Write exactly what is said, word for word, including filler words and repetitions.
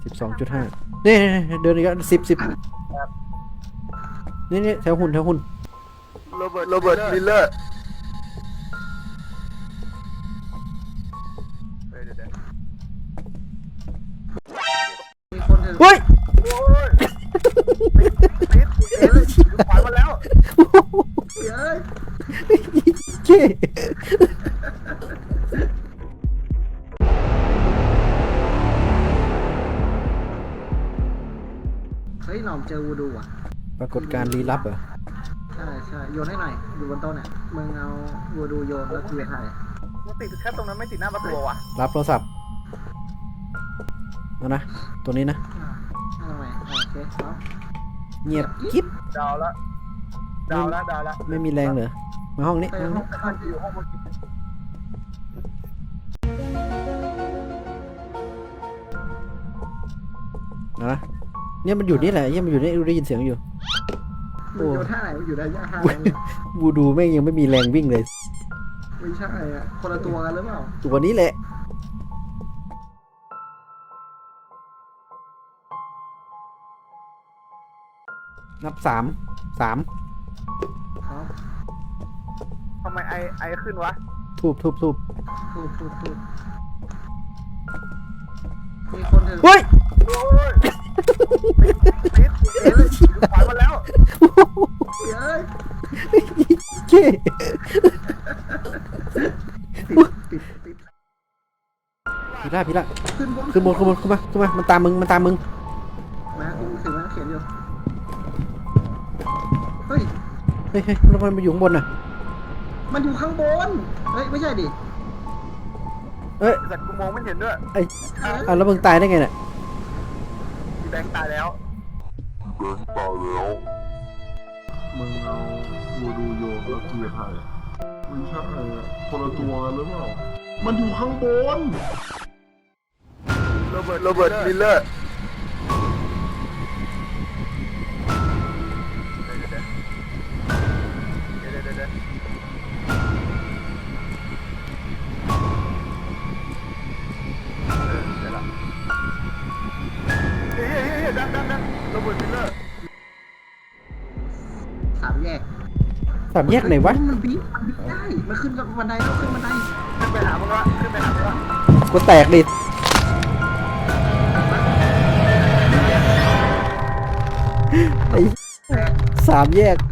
สิบสองจุดห้านี่เดินอีกแล้วสิบสิบนี่นี่แถวหุ่นแถวหุ่นโรเบิร์ตโรเบิร์ตมิลเลอร์เฮ้ยโอ้ยติดเอ้ยขวานมาแล้วเฮ้ยเจ๊เฮ้ยหน่อมเจอวูดูอ่ะปรากฏการณ์ลี้ลับเหรอใช่ใช่โยนให้หน่อยอยู่บนโต๊ะเนี่ยมึงเอาวูดูโยนแล้วกูจะถ่ายมันติดแค่ตรงนั้นไม่ติดหน้าประตูว่ะรับโทรศัพท์เอานะตัวนี้นะทำไมโอเคครับเงียบกิ๊บดาวละดาวละดาวละไม่มีแรงเหรอมาห้องนี้ไปห้องห้องอยู่ห้องบนนะเนี่ยมันอยู่นี่แหละเนี่ยมันอยู่นี่ได้ยินเสียงอยู่มึงโยนท่าไหนอยู่ได้ยากท่าไหนวูดูแม่งยังไม่มีแรงวิ่งเลยไม่ใช่อ่ะคนละตัวกันหรือเปล่าตัวนี้แหละนับสามสามครับทำไมไอไอขึ้นวะทูบทูบทูบถูกถูกถูกมีคนถึงเฮ้ยโอ้ยติดติดเอ้ยขวานมาแล้วเฮ้ยเจ๊ติดติดพี่ละพี่ละขึ้นบนขึ้นบนขึ้นบนขึ้นมาขึ้นมามันตามมึงมันตามมึงมากูถือมาเขียนอยู่เฮ้ยเฮ้ยเฮ้ยแล้วมันมาอยู่ข้างบนน่ะมันอยู่ข้างบนเฮ้ยไม่ใช่ดิเอ้ยแต่กูมองไม่เห็นด้วยไอ้อ่ะแล้วมึงตายได้ไงเนี่ยแบงค์ตายแล้วแบงค์ตายแล้วมึงเอาวูดูโยนแล้วกูจะถ่ายไม่ใช่คนละตัวกันหรือเปล่ามันอยู่ข้างบนโรเบิร์ตโรเบิร์ตมิลเลอร์เดี๋ยวเดี๋ยวเดี๋ยวเฮ้ยเฮ้ยเฮ้ยดันดันดันโรเบิร์ตมิลเลอร์สามแยกสามแยกไหนวะมันบีมันบีได้มันขึ้นกับบันไดแล้วขึ้นบันไดขึ้นไปหามึงละขึ้นไปหามึงละกูแตกดิไอ้สามแยก